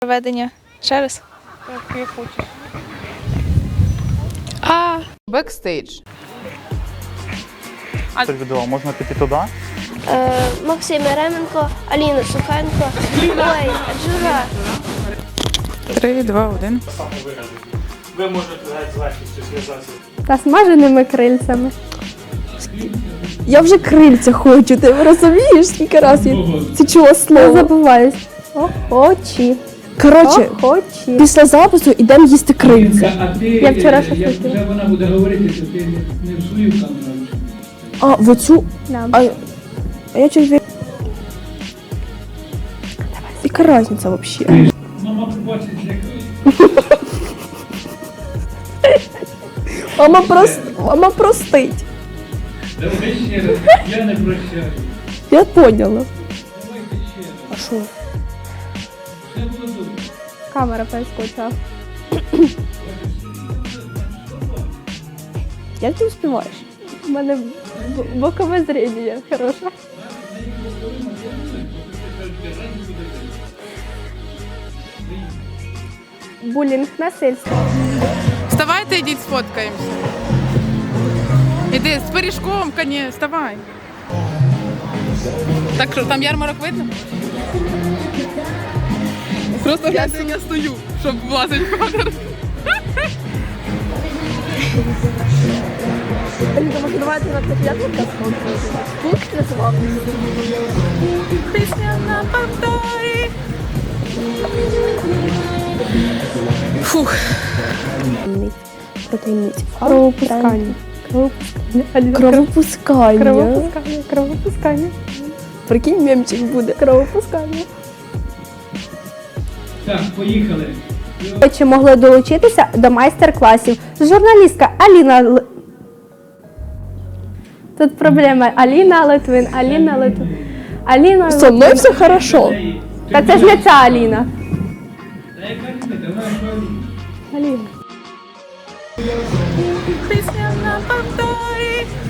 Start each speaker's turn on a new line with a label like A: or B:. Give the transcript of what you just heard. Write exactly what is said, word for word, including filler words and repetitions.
A: Проведення. Ще раз.
B: Так, як хочеш.
A: А.
C: Бекстейдж.
D: Це відео, можна піти туди?
E: Е, Максим Еременко, Аліна Сухенко, Ой, Джура.
C: Три, два, один.
F: Ви можете з легкістю зв'язатися.
B: Та смаженими крильцями.
G: Я вже крильця хочу, ти розумієш, скільки раз я це чула
B: Не
G: слово.
B: забуваюсь. Охочі.
G: Коротше,
B: Охочі.
G: після запису йдемо їсти крильця.
H: А ти,
B: Я вчора щось
H: як
B: хотіла.
H: вже вона буде говорити, то ти не, не в свою камеру.
G: А, в оцю.
B: Да.
G: А, а я чуть. Яка різниця взагалі?
H: Мама побачить, як
G: Мама, прост... Мама простить.
H: давай ще раз, я не прощаю.
G: Я поняла.
H: Давайте ще раз.
G: А що?
H: Все було добре.
B: Камера перескочила.
G: Як ти успіваєш?
B: У мене б- бокове зріння хороше. Булінг, насильство.
C: Вставайте, йдіть, сфоткаємося. Іди, з пиріжком, коні, вставай. Так що, там ярмарок видно? Просто гляньте, як я стою, щоб влазить в кадр.
G: Давайте на п'ятниця пункт називав.
C: Пісня на повторі. Фух.
G: Протейниці.
B: Кровопускання. Кровопускання. Аліна,
G: Кровопускання.
B: Кровопускання. Кровопускання.
G: Прикинь, мемчик буде.
B: Кровопускання.
H: Так, поїхали.
B: Чи могли долучитися до майстер-класів? Журналістка Аліна Л... Тут проблема. Аліна Литвин, Аліна Литвин. Аліна
G: Со мною
B: Литвин.
G: все хорошо.
B: Та це ж не ця Аліна.
H: Та яка різниця, вона ж
B: Аліна.
C: Пісня на повторі.